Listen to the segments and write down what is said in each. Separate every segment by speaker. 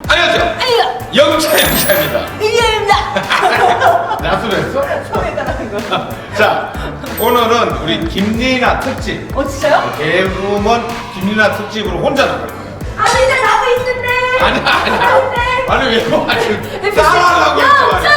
Speaker 1: 안녕하세요.
Speaker 2: 아니요.
Speaker 1: 영차입니다.
Speaker 2: 이기입니다.
Speaker 1: 나수로 했어?
Speaker 2: 처음에 따라한 거.
Speaker 1: 자, 오늘은 우리 김리나 특집.
Speaker 2: 진짜요?
Speaker 1: 개그우먼 김리나 특집으로 혼자 나갈 거예요.
Speaker 2: 아니 근데 나도 있는데.
Speaker 1: 아니야. 아니 왜
Speaker 2: FC.
Speaker 1: 싸우려고 했어.
Speaker 2: 영차.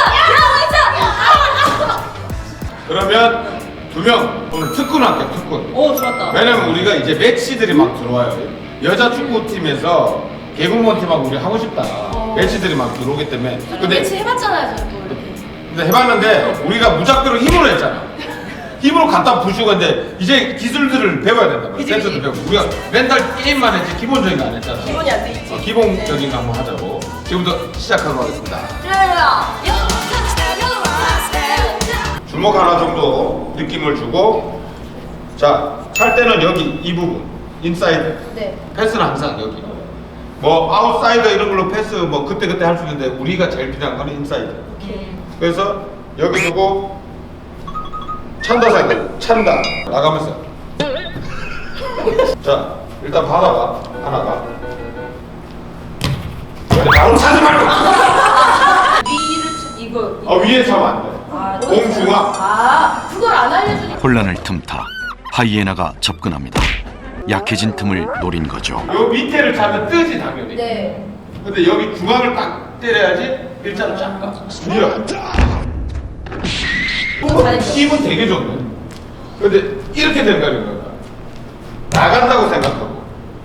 Speaker 1: 그러면 두 명 오늘 특군 할게요. 특군.
Speaker 2: 오 좋았다.
Speaker 1: 왜냐면 우리가 이제 매치들이 막 들어와요. 여자 축구팀에서 개그우먼 팀하고 우리 하고 싶다. 매치들이 막 들어오기 때문에.
Speaker 2: 매치 해봤잖아요, 저희 또 이렇게.
Speaker 1: 근데 해봤는데 우리가 무작대로 힘으로 했잖아. 힘으로 갖다 부수고 근데 이제 기술들을 배워야 된다.
Speaker 2: 그치,
Speaker 1: 센서도
Speaker 2: 그치.
Speaker 1: 배우고 우리가 맨날 게임만 했지 기본적인 거 안 했잖아.
Speaker 2: 기본이 안 돼 있지.
Speaker 1: 기본적인 거 한번 하자고. 지금부터 시작하도록 하겠습니다.
Speaker 2: 좋아요.
Speaker 1: 주먹 하나 정도 느낌을 주고 자, 찰 때는 여기 이 부분 인사이드.
Speaker 2: 네.
Speaker 1: 패스는 항상 여기. 뭐 아웃사이더 이런 걸로 패스 뭐 그때 할 수 있는데 우리가 제일 필요한 거는 인사이드.
Speaker 2: 오케이.
Speaker 1: 그래서 여기 두고 찬다 사이드 찬다 나가면서 자 일단 받아봐 하나가 바로 차지 말고
Speaker 2: 위를 이거.
Speaker 1: 위에 차면 안돼 공 중앙
Speaker 2: 그걸 안 알려주니까.
Speaker 3: 혼란을 틈타 하이에나가 접근합니다. 약해진 틈을 노린 거죠.
Speaker 1: 요 밑에를 차면 뜨지 당연히.
Speaker 2: 네.
Speaker 1: 근데 여기 중앙을 딱 때려야지 일자로 쫙 가. 밀어. 힘은 되게 좋네. 근데 이렇게 된다는 거야. 나간다고 생각하고.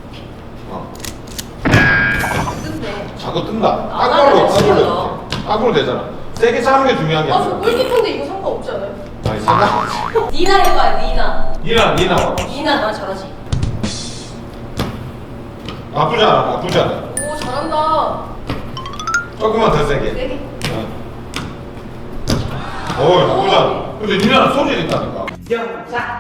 Speaker 2: 근데.
Speaker 1: 자꾸 뜬다.
Speaker 2: 나가면
Speaker 1: 딱으로 되잖아. 세게 차는 게 중요한 게
Speaker 2: 저
Speaker 1: 아니야.
Speaker 2: 골키퍼인데 이거 상관없지 않아요?
Speaker 1: 아니 생각.
Speaker 2: 니나 해봐요, 니나.
Speaker 1: 니나 와.
Speaker 2: 니나 나 잘하지.
Speaker 1: 나쁘지 않아.
Speaker 2: 오 잘한다.
Speaker 1: 조금만 더 세게.
Speaker 2: 세게.
Speaker 1: 나쁘지 않아. 근데 니나는 소질이 있다니까.
Speaker 2: 영차.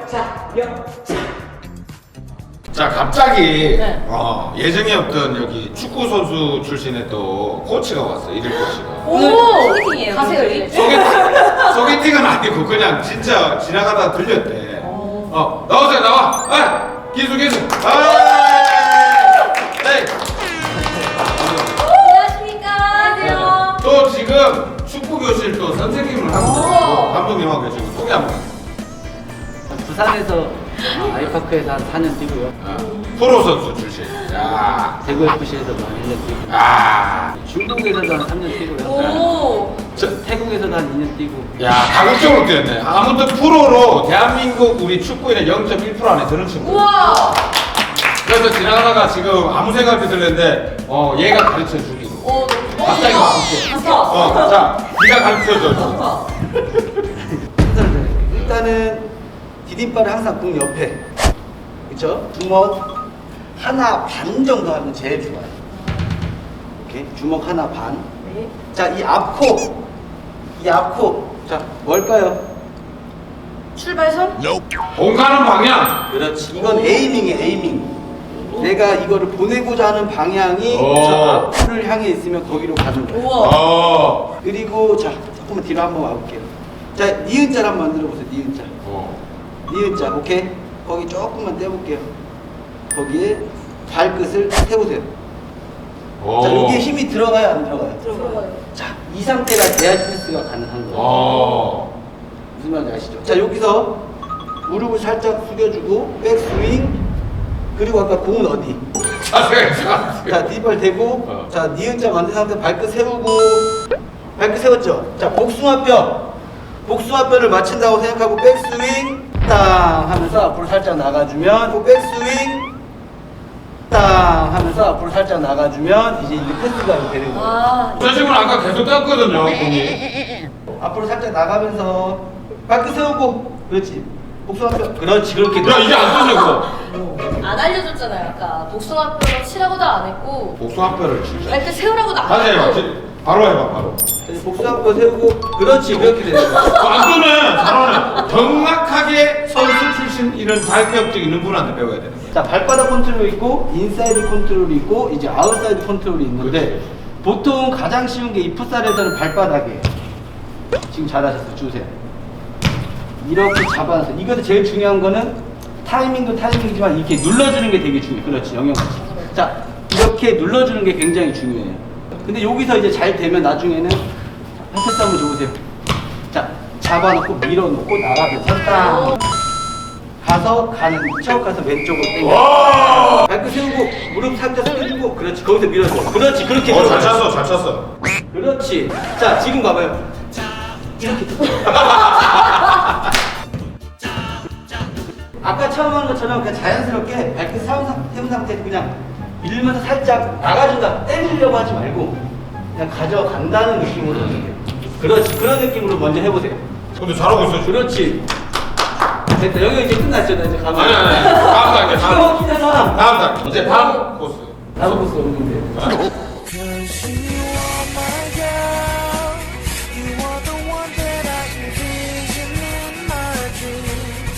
Speaker 1: 자 갑자기
Speaker 2: 네.
Speaker 1: 예정이 없던 여기 축구 선수 출신의 또 코치가 왔어. 일일 코치가.
Speaker 2: 오 소개팅이에요. 가세요 여기.
Speaker 1: 소개팅은 아니고 그냥 진짜 지나가다 들렸대. 나오세요 나와. 기수. 네.
Speaker 2: 안녕하십니까. 안녕하세요.
Speaker 1: 또 지금 축구 교실 또 선생님을 하고 계시고 감독님하고 계시고 소개 한번.
Speaker 4: 부산에서 아이파크에서 한 4년 뛰고요.
Speaker 1: 프로 선수 출신. 야.
Speaker 4: 대구 FC에서도 한 1년 뛰고. 중국에서도 한 3년 뛰고요.
Speaker 2: 오.
Speaker 4: 태국에서도 한 2년 뛰고.
Speaker 1: 야 다국적으로 뛰었네. 아무튼 프로로 대한민국 우리 축구인의 0.1% 안에 드는 친구.
Speaker 2: 우와.
Speaker 1: 그래서 지나가다가 지금 아무 생각 없이 들렸는데 얘가 가르쳐 주기로.
Speaker 2: 오 너무
Speaker 1: 갑자기
Speaker 2: 좋다.
Speaker 1: 자 네가 가르쳐 줘.
Speaker 4: 일단은 디딤발을 항상 공 옆에. 그쵸? 주먹 하나 반 정도 하면 제일 좋아요. 오케이? 주먹 하나 반.
Speaker 2: 네.
Speaker 4: 자, 이 앞코. 자, 뭘까요?
Speaker 2: 출발선?
Speaker 1: 공 가는 방향.
Speaker 4: 그렇지. 이건 에이밍이에요, 에이밍. 내가 이거를 보내고자 하는 방향이
Speaker 1: 오.
Speaker 4: 저 앞을 향해 있으면 거기로 가는 거예요.
Speaker 2: 우와.
Speaker 4: 그리고 자, 조금만 뒤로 한번 와볼게요. 자, 니은자를 한번 만들어 보세요. 니은자. 니은자, 오케이? 거기 조금만 떼볼게요. 거기에 발끝을 세우세요. 자, 여기에 힘이 들어가요, 안 들어가요?
Speaker 2: 들어가요.
Speaker 4: 자, 이 상태가 돼야 패스가 가능한 거예요. 무슨 말인지 아시죠? 자, 여기서 무릎을 살짝 숙여주고 백스윙. 그리고 아까 공은 어디? 자, 뒷발 대고, 자, 니은자 만든 상태 발끝 세우고, 발끝 세웠죠? 자, 복숭아뼈를 맞춘다고 생각하고 백스윙, 땅 하면서 앞으로 살짝 나가주면, 또 백스윙, 땅 하면서 앞으로 살짝 나가주면, 이제 이게 패스가 되는 거예요.
Speaker 1: 저 친구는 아까 계속 떴거든요 공이.
Speaker 4: 앞으로 살짝 나가면서, 발끝 세우고, 그렇지. 복숭아뼈, 그렇지, 그렇게.
Speaker 1: 야 이제 안 뜨네 그거.
Speaker 2: 안 알려줬잖아요 아까. 복숭아뼈로 치라고도 안 했고
Speaker 1: 복숭아뼈를 진짜.
Speaker 2: 발끝 세우라고도 안
Speaker 1: 다시 해봐.
Speaker 2: 했고.
Speaker 1: 바로 해봐 바로.
Speaker 4: 복숭아뼈 세우고, 그렇지, 그렇게 되는 거예요.
Speaker 1: 안 뜨네. 잘하네. 정확하게 선수 출신 이런 자격증 있는 분한테 배워야 되는 거야.
Speaker 4: 자, 발바닥 컨트롤이 있고 인사이드 컨트롤이 있고 이제 아웃사이드 컨트롤이 있는데
Speaker 1: 그렇지.
Speaker 4: 보통 가장 쉬운 게 이 풋살에서는 발바닥이에요. 지금 잘하셨어요. 주세요. 이렇게 잡아서 이것도 제일 중요한 거는 타이밍도 타이밍이지만 이렇게 눌러주는 게 되게 중요해요. 그렇지, 영역같이. 자, 이렇게 이렇게 눌러주는 게 굉장히 중요해요. 근데 여기서 이제 잘 되면 나중에는 팔패스 한번 줘보세요. 자, 잡아놓고 밀어놓고 나가게 섰다. 가서 가는 척 가서 왼쪽으로 당겨. 발끝 세우고 무릎 살짝 숙여주고 그렇지. 거기서 밀어줘. 그렇지. 그렇게
Speaker 1: 잘
Speaker 4: 밀어줘.
Speaker 1: 찼어, 잘 찼어.
Speaker 4: 그렇지. 자, 지금 봐봐요. 이렇게. 아까 처음 하는 것처럼 그냥 자연스럽게 발끝 세운 상태에서 그냥 밀면서 살짝 나가준다. 때리려고 하지 말고 그냥 가져간다는 느낌으로 해요. 그렇지. 그런 느낌으로 먼저 해보세요.
Speaker 1: 근데 잘하고 있어, 지금.
Speaker 4: 그렇지. 됐다. 여기 이제 끝났죠. 나 이제 가면.
Speaker 1: 아니. 다음 단계,
Speaker 4: 기가 막히잖아.
Speaker 1: 다음 단계. 이제 다음 코스.
Speaker 4: 다음 코스 오는데.